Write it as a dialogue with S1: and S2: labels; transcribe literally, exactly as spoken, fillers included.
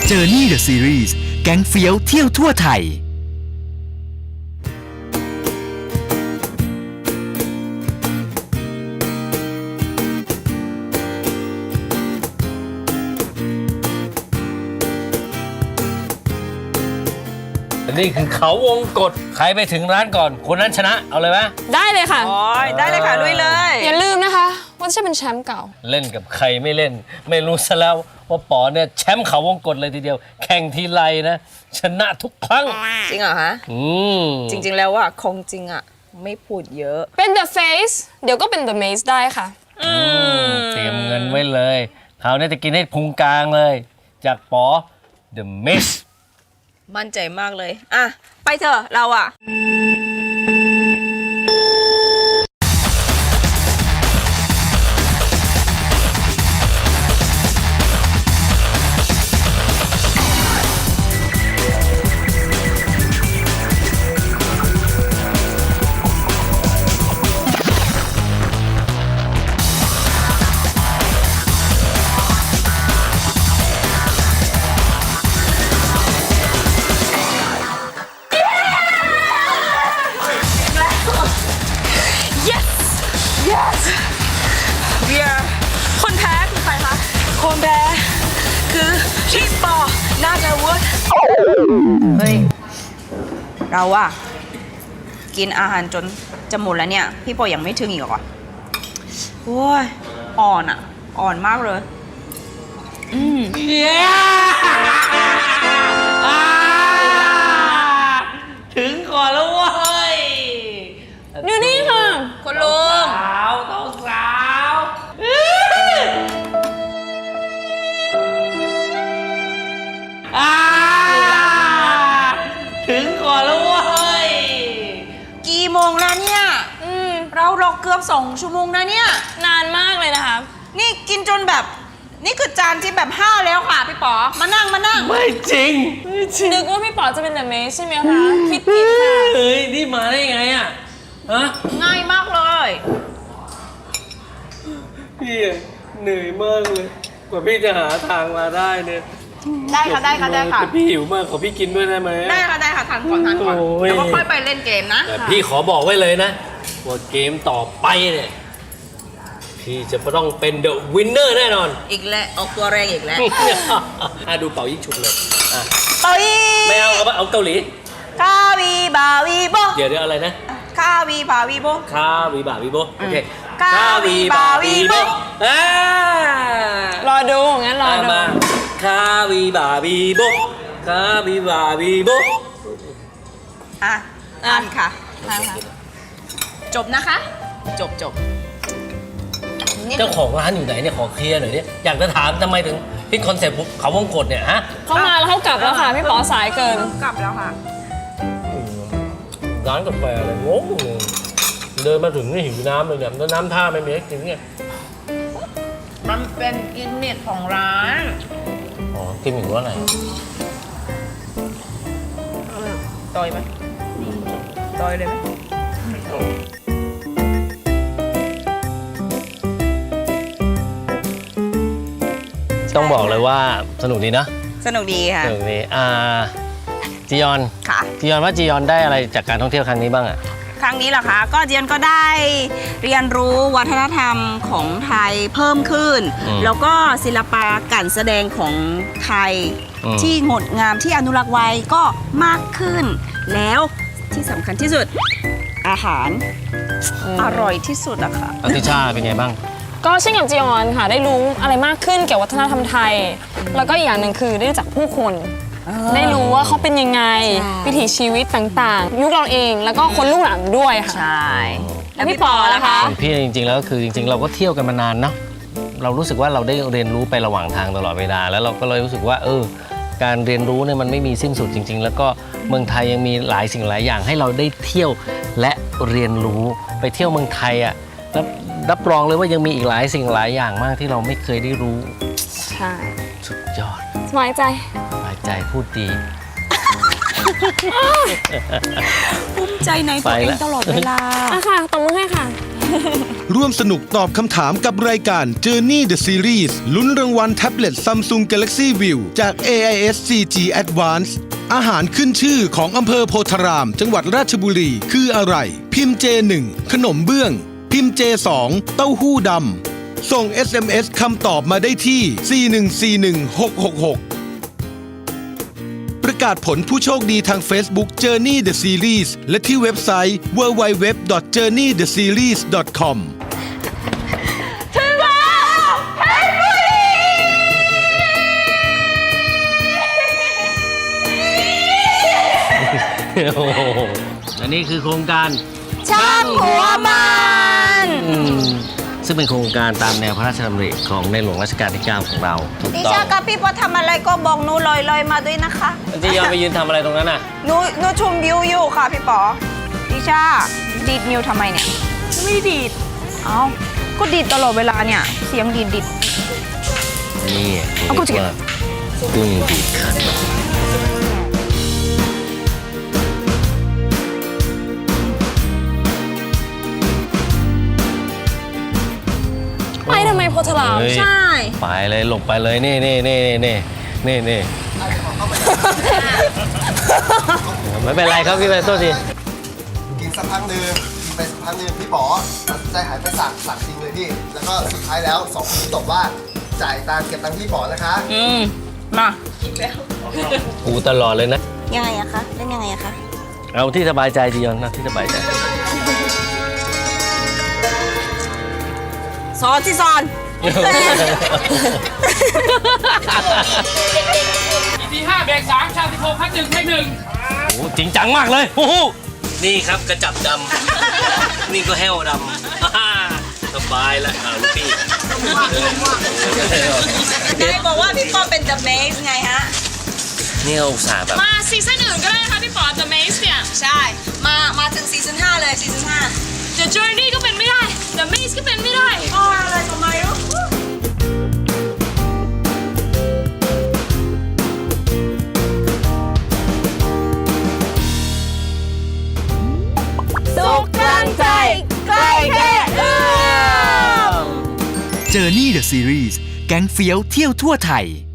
S1: Journey The Series แก๊งเฟี้ยวเที่ยวทั่วไทย
S2: นี่คือเขาวงกตใครไปถึงร้านก่อนคนนั้นชนะเอาเลยไหม
S3: ได้เลยค่ะ
S4: โอ้ยได้เลยค่ะลุยเลย
S3: อย่าลืมนะคะว่าจะเป็นแชมป์เก่า
S2: เล่นกับใครไม่เล่น ไม่รู้ซะแล้วว่าป๋อเนี่ยแชมป์เขาวงกตเลยทีเดียว แข่งทีไรนะ ชนะทุกครั้ง
S4: จริงเหรอฮะ
S2: อืม
S4: จริง ๆ แล้วว่าคงจริงอ่ะไม่พูดเยอะ
S3: เป็น The Face เดี๋ยวก็เป็น The Maze ได้ค่ะ
S4: อืม
S2: เตรียมเงินไว้เลยคราวนี้จะกินให้พุงกลางเลย จากป๋อ The Miss
S4: มั่นใจมากเลยอ่ะไปเถอะเราอ่ะ yes yes we are คนแพ้คือใครคะคนแพ้คือพี่ปอน่าจะวุฒเฮ้ยเราอะกินอาหารจนจะหมดแล้วเนี่ยพี่ปอยังไม่ถึงอีกเหรอโอ้ยอ่อนอะอ่อนมากเลยอืม
S2: ถึงก่อนแล้วเว้ย
S3: อยู่นี่ค่ะ
S4: คุณลุง
S2: สาวต้องสาวถึงก่อนแล้วเว้ย
S4: กี่โมงแล้วเนี่ย
S3: อืม
S4: เรารอเกือบสองชั่วโมงนะเนี่ย
S3: นานมากเลยนะคะ
S4: นี่กินจนแบบ นี่คือจานที่แบบห้าแล้วค่ะพี่ป๋อมานั่งมานั่ง
S2: ไม่จริงไม่จริง
S3: นึกว่าพี่ป๋อจะเป็น The Maze ใช่ไหมคะ คิดผิดค่ะ
S2: เฮ้ย นี่มาได้ไงอ่ะฮะ
S4: ง่ายมากเลย
S2: พี่เหนื่อยมากเลย กว่าพี่จะหาทางมาได้เนี่ย
S4: ได้ค่ะได้ค่ะได้ค่ะ
S2: แต่พี่หิวมากขอพี่กินด้วยได้ไหม
S4: ได้ค่ะได้ค่ะทานก่อนทานก่อน
S2: โอ้ย
S4: แล้วก็ค่อยไปเล่นเกมนะ
S2: แต่พี่ขอบอกไว้เลยนะว่าเกมต่อไปเนี่ยพี่จะต้องเป็นเดอะวินเนอร์แน่นอน
S4: อีกแล้วออกตัวแรงอีกแล้ว
S2: อ่ะดูเป่ายิ่งฉุบเลยอ่ะ
S4: เอ้ย
S2: ไม่เอาเอาเอาเกาหลี
S4: คาวีบาวีโบ
S2: เดี๋ยวเดี๋ยวอะไรนะ
S4: คาวีบาวีโบ
S2: คาวีบาวีโบโอเค
S4: คาวีบาวีโบ
S2: อ่าร
S3: อดูงั้นรอดู
S2: มาคาวีบาวีโบคาวีบาวีโบ
S4: อ่ะ
S3: อ่ะ
S4: ทานค่ะ
S3: ทานค่ะ
S4: จบนะคะ จบจบ
S2: เจ้าของร้านอยู่ไหนเนี่ยขอเคลียร์หน่อยเนี่ยอยากจะถามทำไมถึงพิดคอนเซ็ปต์เขาวงกตเนี่ยฮะ
S3: เขามาแล้วเขากลับแล้วค่ะ พี่ป๋อสายเกิน
S4: กลับแล้วค่ะ
S2: ร้านกาแฟอะไรงงเลยเดินมาถึงนี่หิวน้ำเลยเนี่ยแล้วน้ำท่าไม่มีให้กินเนี่ย
S4: มันเป็นกิมมิคของร้าน
S2: อ๋อกินอยู่ว่าอะไร
S4: ต่อยไหมต่อยเลยไหม
S2: ต้องบอกเลยว่าสนุกดีนะ
S4: สนุกดีค่ะ
S2: สนุกดีอ่าจียอน
S4: ค่ะ
S2: จียอนว่าจียอนได้อะไรจากการท่องเที่ยวครั้งนี้บ้างอะ
S4: ครั้งนี้เหรอคะ ก็เจียนก็ได้เรียนรู้วัฒนธรรมของไทยเพิ่มขึ้น แล้วก็ศิลปะการแสดงของไทยที่งดงามที่อนุรักษ์ไว้ก็มากขึ้น แล้วที่สำคัญที่สุดอาหารอร่อยที่สุดอะค่ะ
S2: อติชาเป็นไงบ้าง
S3: ก็เช่นกับจีออนค่ะ ได้รู้อะไรมากขึ้นเกี่ยวกับวัฒนธรรมไทย แล้วก็อีกอย่างหนึ่งคือได้รู้จักผู้คน ได้รู้ว่าเขาเป็นยังไง
S4: ใช่
S3: วิถีชีวิตต่างๆ ยุคเราเองแล้วก็คนรุ่นหลังด้วยค่ะ
S4: ใช่
S3: แล้วพี่ปอล่ะคะ
S2: ของพี่จริงๆแล้วคือจริงๆ เราก็เที่ยวกันมานานเนาะเรารู้สึกว่าเราได้เรียนรู้ไประหว่างทางตลอดเวลาแล้วเราก็เลยรู้สึกว่าเออการเรียนรู้เนี่ยมันไม่มีสิ้นสุดจริง ๆ แล้วก็เมืองไทยยังมีหลายสิ่งหลายอย่างให้เราได้เที่ยวและเรียนรู้ไปเที่ยวเมืองไทยอ่ะรับรับรองเลยว่ายังมีอีกหลายสิ่งหลายอย่างมากที่เราไม่เคยได้รู้
S3: ใช่
S2: สุดยอด
S3: สบายใจ
S2: สบายใจพูดดี
S4: ภูมิใจในตัวเองตลอดเวลา
S3: อ่ะค่ะตบมือให้ค่ะ
S5: ร่วมสนุกตอบคำถามกับรายการ Journey the Series ลุ้นรางวัลแท็บเล็ต Samsung Galaxy View จาก เอ ไอ เอส ซี จี Advance อาหารขึ้นชื่อของอำเภอโพธาราม จังหวัดราชบุรีคืออะไร พิมพ์ เจ หนึ่ง ขนมเบื้อง พิมพ์ เจ สอง เต้าหู้ดำส่ง เอส เอ็ม เอส คำตอบมาได้ที่ สี่ หนึ่ง สี่ หนึ่ง หก หก หก ประกาศผลผู้โชคดีทาง Facebook Journey the Series และที่เว็บไซต์ ดับเบิลยู ดับเบิลยู ดับเบิลยู ดอท เจอร์นี่ เดอะ ซีรีส์ ดอท คอม
S4: ถึงแล้วเพชรบุรี
S2: โอ้โหและนี่คือโครงการ
S4: ช่างหัวมัน
S2: อืมซึ่งเป็นโครงการตามแนวพระราชดำริของในหลวงรัชกาลที่ เก้า ของเราถูก
S6: ดิ
S2: ต้อง
S6: ชากับพี่พอทำอะไรก็บอกหนูลอยๆมาด้วยนะคะ
S2: จียอนไปยืนทำอะไรตรงนั้นน่ะ
S6: หนูหนูชมวิวอยู่ค่ะพี่ป๋อดิชาดีดนิ้วทำไมเนี่ย
S4: ไม่ดีด
S6: เอ้าก็ดีดตลอดเวลาเนี่ย เสียงดีดดีด
S2: นี่
S6: เอากูจะ
S2: เรียกว่ากุ้งดีดขัน
S3: ไปทำไมโพธาราม
S2: เฮ้ย
S3: ใช่
S2: ไปเลยหลบไปเลยนี่นี่นี่นี่นี่นี่ไม่เป็นไรครับพี่ไปโทษที
S7: กินสักพักหนึ่งกินไปสักพักหนึ่งพี่ป๋อตัดสินใจหายไปสั่งสั่งจริงเลยพี่ แล้วก็สุดท้ายแล้วสองคนนี้ตกว่าจ่ายตังค์เก็บตังค์พี่ป๋อนะคะ
S6: อืมมา
S2: กูตลอดเลยนะ
S6: ยังไงอะคะเล่นยังไงอะคะ
S2: เอาที่สบายใจจียอนนะที่สบายใจ
S6: สอนที่สอน
S8: ที่ห้าเบรกสามชาติโพพัดหนึ่งเทคหนึ่ง
S2: โอ้จริงจังมากเลยโอ้โหนี่ครับกระจับดำ นี่ก็แห้วดำ สบายแล้วอ่าลูกพี่
S6: นายบอกว่าพี่ปอเป็น The Maze ไงฮะ
S2: นี่เราอุตส่าห์แบบ
S3: มาซีซั่นอื่นก็ได้นะคะพี่ป๋อ The Maze เนี่ย
S6: ใช่ มา มาถึงซีซั่นห้าเลยซีซั่นห้า
S3: The Journey ก็เป็นไม่ได้ The Maze ก็เป็นไม่ได้
S6: อ๋ออะไรทำไมรู้สุขกลางใจใกล้แค่เอื้อม
S1: Journey the Series แก๊งเฟี้ยวเที่ยวทั่วไทย